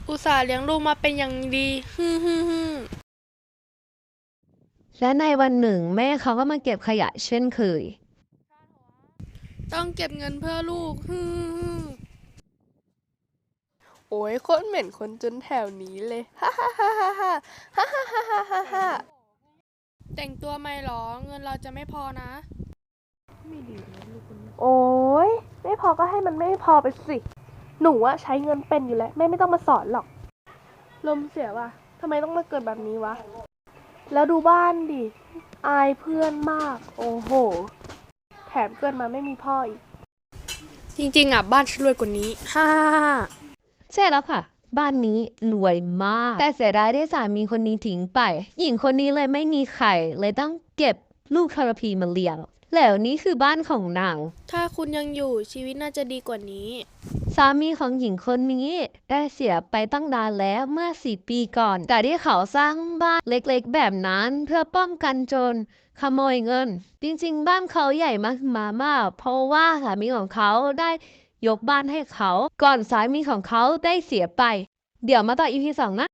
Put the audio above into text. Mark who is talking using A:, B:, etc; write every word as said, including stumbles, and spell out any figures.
A: อุตส่าห์เลี้ยงลูกมาเป็นอย่างดีฮึ่มฮึ่มฮึ่ม
B: และในวันหนึ่งแม่เขาก็มาเก็บขยะเช่นเคย
A: ต้องเก็บเงินเพื่อลูกฮึ่มฮึ่มโอ้ยโคตรเหม็นคนจนแถวนี้เลยฮ่าฮ่าฮ่าฮ่าฮ่าฮ่าฮ่าฮ่าฮ่าฮ่าแต่งตัวไม่หรอเงินเราจะไม่พอนะ
C: โอ้ยไม่พอก็ให้มันไม่พอไปสิ หนูอะใช้เงินเป็นอยู่แล้วแม่ไม่ต้องมาสอนหรอก ลมเสียว่ะทำไมต้องมาเกิดแบบนี้วะ แล้วดูบ้านดิ อายเพื่อนมาก โอ้โห แถมเกิดมาไม่มีพ่ออีก
A: จริงๆอ่ะบ้านฉันรวยกว่านี้ฮ่าฮ่าฮ่า
B: ใช่แล้วค่ะ บ้านนี้รวยมาก แต่เสียดายที่สามีคนนี้ทิ้งไป หญิงคนนี้เลยไม่มีใครเลยต้องเก็บลูกทรพีมาเลี้ยง แล้วนี่คือบ้านของนาง
A: ถ้าคุณยังอยู่ชีวิตน่าจะดีกว่านี้
B: สามีของหญิงคนนี้ได้เสียไปตั้งนานแล้วเมื่อสี่ปีก่อน แต่ที่เขาสร้างบ้านเล็กๆแบบนั้นเพื่อป้องกันโจรขโมยเงิน จริงๆบ้านเขาใหญ่มากมามากเพราะว่าสามีของเขาได้ยกบ้านให้เขา ก่อนสามีของเขาได้เสียไป เดี๋ยวมาต่อ อี พี สองนะ